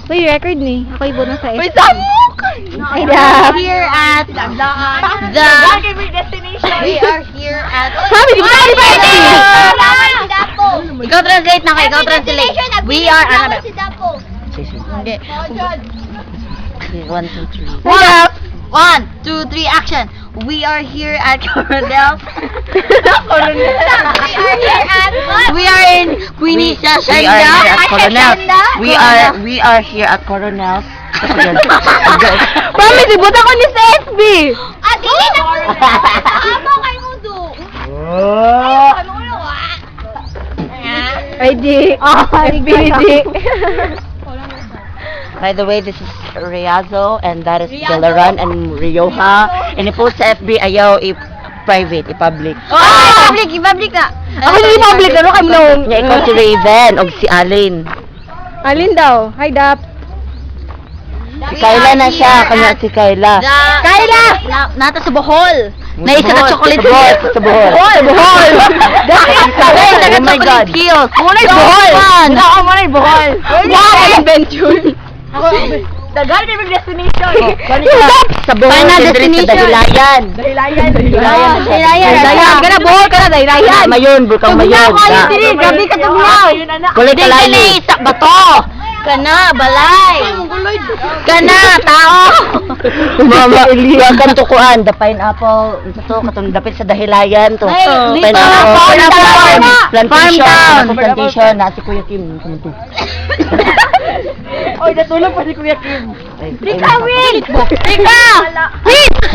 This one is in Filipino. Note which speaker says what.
Speaker 1: Uy, record ni. Ako ibo na sa
Speaker 2: Uy,
Speaker 1: SP.
Speaker 2: samok!
Speaker 1: Ay, dap.
Speaker 2: Here at the... We are here at...
Speaker 1: Sabi, di ba tayo pa SP?
Speaker 2: Ikaw translate na kayo, ikaw translate. We are... Ano ba? Okay. 1, 2, 3.
Speaker 1: Dap.
Speaker 2: 1, 2, 3, action! We are here at Coronel. We are in Queenie Sasanda.
Speaker 3: We are here at Coronel.
Speaker 1: Promise, ibot ako ni sa FB. Ay, di. FB, di.
Speaker 3: By the way, this is Riazo and that is Delaran and Rioja. And i-post sa FB ayaw i-private, i-public.
Speaker 2: I-public na.
Speaker 1: Ako hindi public, ano kayo nung...
Speaker 3: Nya ikaw si Raven o si Alin.
Speaker 1: Alin daw? Hi, Dap.
Speaker 3: Si Kayla na siya, kanya si Kayla.
Speaker 2: Kayla! Nata sa Bohol. Naisa na chocolate
Speaker 3: Sa Bohol.
Speaker 1: Sa Bohol.
Speaker 2: Naisa
Speaker 3: Oh
Speaker 2: na
Speaker 3: my God.
Speaker 2: chocolate hills.
Speaker 1: Muna'y Bohol. Muna ako, muna'y Bohol. Wow, adventure. Dagal kayo mag-destination.
Speaker 3: Sa Bohol,
Speaker 2: Final
Speaker 3: sa
Speaker 2: destination.
Speaker 3: Dahilayan.
Speaker 1: Dahilayan.
Speaker 2: Dahilayan.
Speaker 1: Ka na, Bohol ka na, Dahilayan.
Speaker 3: Mayon, Burkang Mayon.
Speaker 1: Grabe ka tugnaw.
Speaker 3: Kulay
Speaker 2: Hindi ka na
Speaker 3: kalayo.
Speaker 2: isa bato. Kana, balay. Kana, tao.
Speaker 3: Mama, yung kantukuan, the pineapple, ito to, katong dapit sa Dahilayan to.
Speaker 2: Ay, dito,
Speaker 3: Pineapple,
Speaker 2: farm town.
Speaker 3: plantation,
Speaker 2: Farm town.
Speaker 3: plantation, na si Kuya Kim. Kanto.
Speaker 1: Oy, natulog pa si Kuya Kim.
Speaker 3: Ay,
Speaker 2: Rika, wait! Rika! Wait!